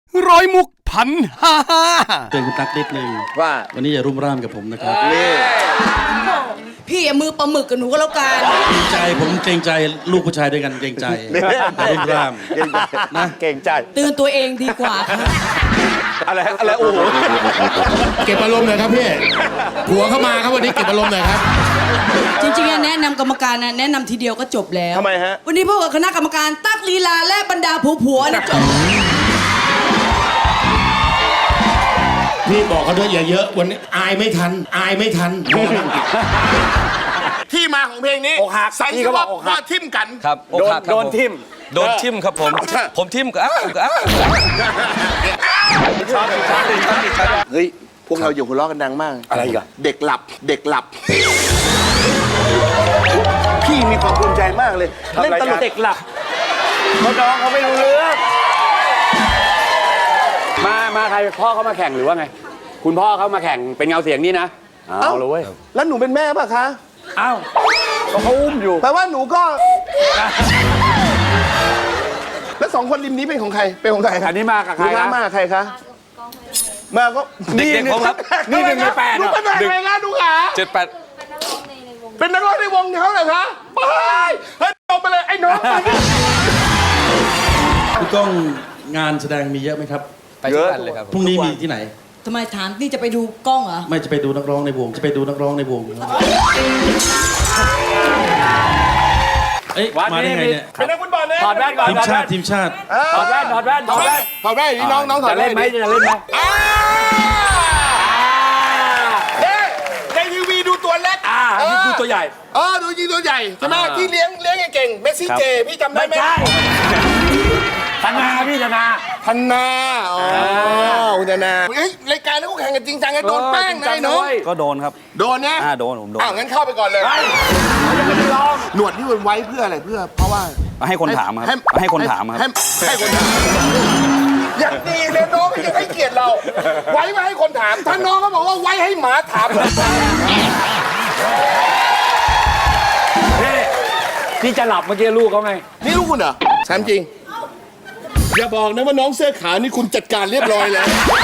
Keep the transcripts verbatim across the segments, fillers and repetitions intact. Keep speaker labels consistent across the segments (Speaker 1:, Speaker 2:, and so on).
Speaker 1: ร้อยมุกพันห้าห้า
Speaker 2: เตือนคุณตั๊กนิดนึงว่าวันนี้อย่ารุ่มร่ามกับผมนะครับ
Speaker 3: พี่อย่ามือปลาหมึกกับหนูก็แล้วกัน
Speaker 2: เกรงใจผมเกรงใจลูกผู้ชายด้วยกันเกรงใจอย่ารุ่มร่ามนะ
Speaker 4: เก่งใจ
Speaker 3: เตือนตัวเองดีกว่าค่ะ
Speaker 4: อะไรอะไรโอ้โห
Speaker 1: เก็บอารมณ์หน่อยครับพี่ผัวเข้ามาครับวันนี้เก็บอารมณ์หน่อยครับ
Speaker 3: จริงๆแนะนำกรรมการนะแนะนำทีเดียวก็จบแล้ว
Speaker 4: ทำไมฮะ
Speaker 3: วันนี้พวกบคณะกรรมการตั๊กลีลาและบรรดาผัวผัวนะจบ
Speaker 1: พี่บอกเขาด้วยอย่าเยอะวันนี้อายไม่ทันอายไม่ทัน
Speaker 5: ที่มาของเพลงนี้
Speaker 4: อกหัก
Speaker 5: ใส่
Speaker 4: พี่
Speaker 5: เฉ
Speaker 4: เขาบอ
Speaker 5: พาะ
Speaker 4: กอกหั
Speaker 5: ว่าก ทิ่มกัน
Speaker 6: ครับ
Speaker 4: โดน
Speaker 6: อกหักครับ
Speaker 4: โดน
Speaker 6: ผม
Speaker 4: ทิม
Speaker 6: โดนทิมครับผม ผมทิมก็อ้าวก็อ้าว
Speaker 4: ชอบชอบชอบชอบ
Speaker 5: เฮ้ย พวกเราอยู่หัวเราะกันดังมาก
Speaker 4: อะไรอีกัน
Speaker 5: เด็กหลับ เด็กหลับ
Speaker 4: พี่มีความภูมิใจมากเลยเล่นตลกเด็กหลับเขาน้องเขาไม่รู้เรื่องมามาใครพ่อเขามาแข่งหรือว่าไงคุณพ่อเขามาแข่งเป็นเงาเสียงนี่นะเอาเลยเว้ย
Speaker 5: แล้วหนูเป็นแม่ป่ะคะ
Speaker 4: อ้าวก็เขาอุ้มอยู่
Speaker 5: แปลว่าหนูก็ แล้วสองคนริมนี้เป็นของใคร เป็นของใครครั
Speaker 4: อันนี้มากับใคร
Speaker 5: ลูกค้า
Speaker 4: นะ
Speaker 5: มากับใครคะ มาก็
Speaker 6: เด็กๆผมครับ
Speaker 4: นี่หนึ่งในแปด
Speaker 5: ลูกเป็นอะไรคะลูกขา
Speaker 6: เจ็ดแปด
Speaker 5: เป็นนักร้องในวงเขาเหรอคะไปเฮ้ยลงไปเลยไอ้น้องไป
Speaker 2: คุณก้องงานแสดงมีเยอะไหมครับ
Speaker 6: ไปทุกวันเลยครับ
Speaker 2: พรุ่งนี้มีที่ไหน
Speaker 3: ทำไมถามนี่จะไปดูกล้องเหรอ
Speaker 2: ไม่จะไปดูนักร้องในวงจะไปดูนักร้องในวงเอ๊ะมาได้ไงเนี่ย
Speaker 5: เป็นนักฟุตบอลนะ
Speaker 4: ถอดแว่นก่อน
Speaker 2: ทีม
Speaker 4: ถอด
Speaker 2: ชา
Speaker 4: แว่
Speaker 2: ติ
Speaker 4: น
Speaker 2: ทีมชาติ
Speaker 4: ถอดแว่นถอดแว่นถอดแว่น
Speaker 5: ถอดแว่นนี่น้องน้องถอด
Speaker 4: จะ
Speaker 5: แว่
Speaker 4: เล่
Speaker 5: น
Speaker 4: นไหมจะเล่นไหม
Speaker 5: อ่าเอ๊ะในทีวีดูตัวเล็ก
Speaker 4: อ่านี่ดูตัวใหญ่
Speaker 5: เออดูจริงตัวใหญ่ใช่ไหมที่เลี้ยงเลี้ยงเก่งเมสซี่เจพี่จำได้ไหม
Speaker 4: ธนาพี่ธนา
Speaker 5: ธันนาอ๋อคุณธันนาเฮ้ยรายการนี้เขาแข่งกันจริงจังกันโดนแป้งนะไอ้น้อง
Speaker 6: ก็โดนครับ
Speaker 5: โดนนะ
Speaker 6: อ่าโดนผมโดน
Speaker 5: อ้าวงั้นเข้าไปก่อนเลย
Speaker 4: ยังไม่ได้ลอง
Speaker 5: หนวดนี่มันไว้เพื่ออะไรเพื่อเพราะว่า
Speaker 6: ให้คนถามครับให้คนถามครับ
Speaker 5: ให้ให้คนถามอย่างดีเลยน้องก็ยังให้เกียรติเรา ไว้มาให้คนถามถ้าน้องเขาบอกว่าไว้ให้หมาถาม
Speaker 4: นี่พี่จะหลับเมื่อกี้ลูกเขาไง
Speaker 5: นี่ลูกคุณเหรอแชมป์จริง อย่าบอกนะว่าน้องเสื้อขาวนี่คุณจัดการเรียบร้อยแล้ว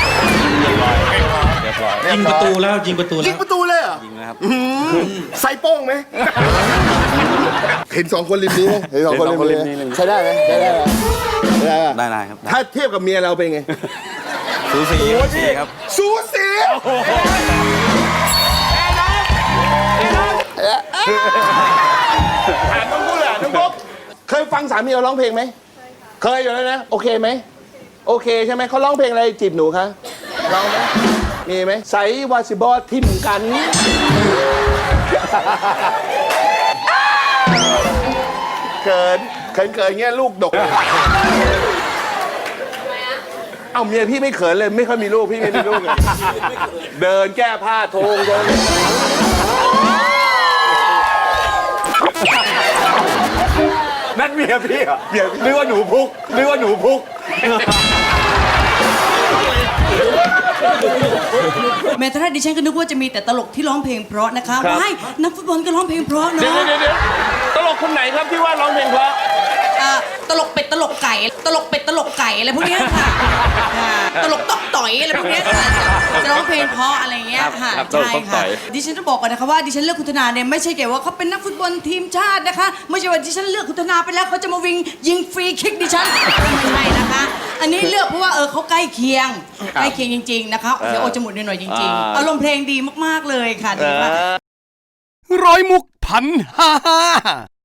Speaker 2: ยิงประตูแล้วยิงประตู
Speaker 5: ยิ
Speaker 2: แล้
Speaker 5: ง
Speaker 2: ว
Speaker 5: ประตูเลยเหรอ
Speaker 6: จริงนะครับ
Speaker 5: ใส่โป้งไหม เห็นสองคนริมนี้ไหมเห็นสองคนริมนี้ใช้ได้ไหมใช้ได้ไหมใช้ได้ปะ
Speaker 6: ได้ได้ครับ
Speaker 5: ถ้าเทียบกับเมียเราเป็นไง
Speaker 6: สูสีสูสีครับ
Speaker 5: สูสีถามต้องพูดแหละน้องบุ๊กเคยฟังสามีเราร้องเพลงไหม เคยอยู่แล้วนะ โอเคไหม โอเคใช่ไหม เขาร้องเพลงอะไรจีบหนูคะร้องไหมมีไหมใส่วาซิบอทิมกัน เกินเขินเกินเงี้ยลูกดก เอาเมียพี่ไม่เขินเลยไม่ค่อยมีลูกพี่ไม่มีลูกเลยเดินแก้ผ้าโทงโทง
Speaker 4: นั่นเมียพี่เหรอนึกว่าหนูพุกนึกว่าหนูพุก
Speaker 3: แม้แต่ถ้าดิฉันก็นึกว่าจะมีแต่ตลกที่ร้องเพลงเพราะนะคะว้ายนักฟุตบอลก็ร้องเพลงเพราะ
Speaker 5: เดี๋ยว
Speaker 3: เนาะ
Speaker 5: เดี๋ยวเดี๋ยวตลกคนไหนครับที่ว่าร้องเพลงเพราะ
Speaker 3: อ่าตลกเป็ดตลกไก่ ตลกเป็ดตลกไก่อะไรพวกเนี้ยค่ะอ่าตลกตอกต่อยอะไรพวกเนี้ยค่ะจะร้องเพลงเพราะอะไรเงี้ยค่ะใช่ค่ะดิฉันต้องบอกก่อนนะคะว่าดิฉันเลือกคุณธนาเนี่ยไม่ใช่เกี่ยวว่าเขาเป็นนักฟุตบอลทีมชาตินะคะไม่ใช่ว่าดิฉันเลือกคุณธนาไปแล้วเขาจะมาวิ่งยิงฟรีคิกดิฉันไม่ใช่นะคะ อันนี้เลือกเพราะว่าเออเขาใกล้เคียงใกล้เคียงจริงๆนะคะเสียโอจมูกหน่อยๆจริงๆอารมณ์เพลงดีมากๆเลยค่ะดีมาก
Speaker 1: ร้อยมุกพันห้าห้า